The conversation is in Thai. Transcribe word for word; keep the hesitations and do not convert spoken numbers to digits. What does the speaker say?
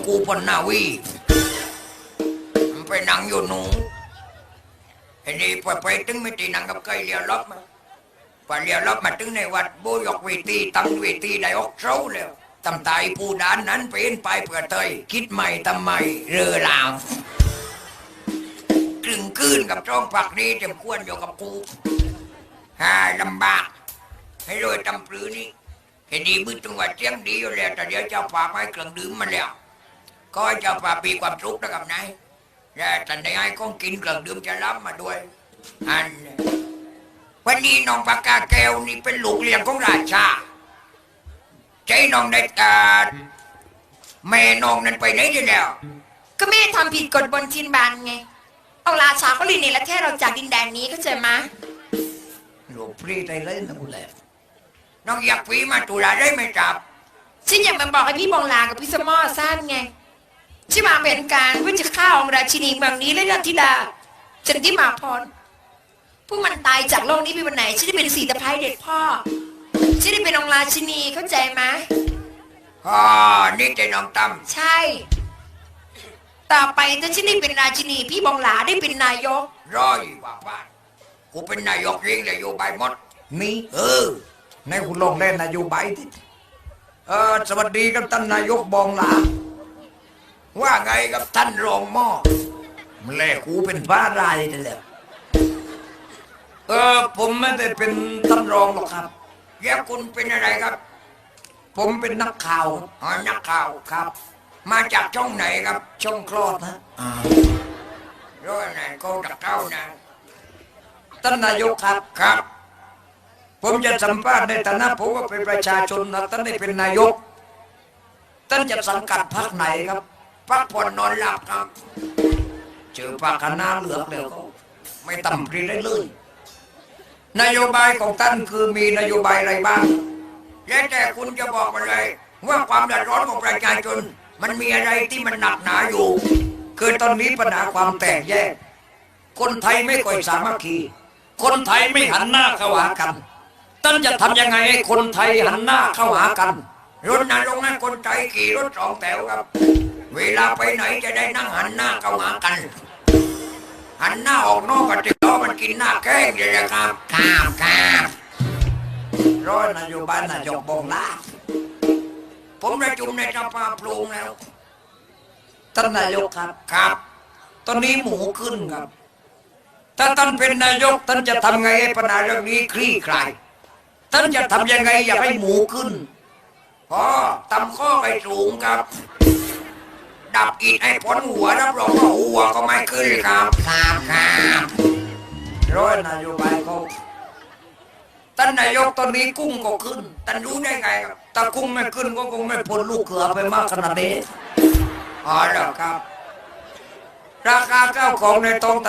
กูปนนาวีมันไปนั่งอยู่หนูไอ้นี่ไปไปถึงไม่ตีนั่งกับใครเลี้ยวล็อบมาพอเลี้ยวล็อบมาถึงในวัดโบยกเวทีตั้งเวทีได้ออกเช้าแล้วตำตายผู้ด้านนั้นเป็นไปเพื่อเตยคิดใหม่ทำไมเรือลาวกลึงคืนกับจ้องผักนี้เต็มควรอยู่กับกูฮ่าลำบากให้รวยตำปรือนี่เห็นดีมือจังหวัดเชียงดีอยู่แล้วแต่เดี๋ยวเจ้าป่าไม้เครื่องดื่มมาแล้วก็ให้เจ้าป่าปีความสุขนะครับนายและท่านได้ให้ของกินเครื่องดื่มจะรับมาด้วยอันวันนี้น้องปากกาแก้วนี่เป็นลูกเลี้ยงของราชาใจน้องได้ตาแม่น้องนั้นไปไหนได้แล้วก็แม่ทำผิดกฎบนทินบานไงเอาราชาก็ลินในละแค่เราจากดินแดนนี้ก็เจอมาลูกพรีได้เลยนะกูแหละน้องอยากพีมาตุลาได้ไหมจับฉันอยากมาบอกให้พี่บองลากับพี่สมอสั้นไงที่มาเป็นการเพื่อจะฆ่าองค์ราชินีเมืองนี้และราธิดาจันทิมาพรผู้มันตายจากโลกนี้ไปวันไหนฉันได้เป็นสีตะไคร้เด็ดพ่อฉันได้เป็นองค์ราชินีเข้าใจไหมอ๋อนี่ใจน้องตั้มใช่ต่อไปถ้าฉันได้เป็นราชินีพี่บองลาได้เป็นนายกร้อยว่าว่ากูเป็นนายกเองเลยอยู่ใบหมดนี่เออในคุณลงเล่นนายกใบที่เออสวัสดีครับท่านนายกบองลาว่าไงกับท่านรองหม้อมันแหละกูเป็นบ้ารายนี่แหละเออผมไม่ได้เป็นท่านรองหรอกครับแยกคุณเป็นอะไรครับผมเป็นนักข่าวอ๋อนักข่าวครับมาจากช่องไหนครับช่องคลอดนะอ่าร้อยไหนก็ดักเก้านะท่านนายกครับครับผมจะสัมภาษณ์ในฐานะผมว่าเป็นประชาชนนะท่านได้เป็นนายกท่านจะสังกัดพรรคไหนครับพรรคผ่อนนอนหลับครับเจอปากคณะเหลือกแล้วก็ไม่ต่ำปรีได้เลยนโยบายของท่านคือมีนโยบายอะไรบ้างแล้วแต่คุณจะบอกมาเลยว่าความเดือดร้อนของประชาชนมันมีอะไรที่มันหนักหนาอยู่คือตอนนี้ปัญหาความแตกแยกคนไทยไม่ค่อยสามัคคีคนไทยไม่หันหน้าเข้าหากันท่านจะทำยังไงให้คนไทยหันหน้าเข้าหากันรถนรงค์ให้คนไทยขี่รถสองแถวครับเวลาไปไหนจะได้นั่งหันหน้าเข้าหากันหันหน้าออกนอกก็ติดล้อมันกินหน้าแข้งเลยนะครับครับครับร้อยนโยบายนายกบงลาผมประชุมในสภาปรุงแล้วท่านนายกครับครับตอนนี้หมูขึ้นครับถ้าท่านเป็นนายกท่านจะทำไงให้ปัญหาเรื่องนี้คลี่คลายท่านจะทำยังไงอย่าให้หมูขึ้นพอตำข้อไปสูงครับดับอีกให้พ้นหัวรับรองว่าหัวก็ไม่ขึ้นครับครับครับร้อยนโยบายเขาท่านนายกตอนนี้กุ้งก็ขึ้นท่านรู้ได้ไงครับถ้ากุ้งไม่ขึ้นก็คงไม่พ้นลูกเขือไปมากขนาดนี้อ๋อเหรอครับราคาข้าวของในท้อง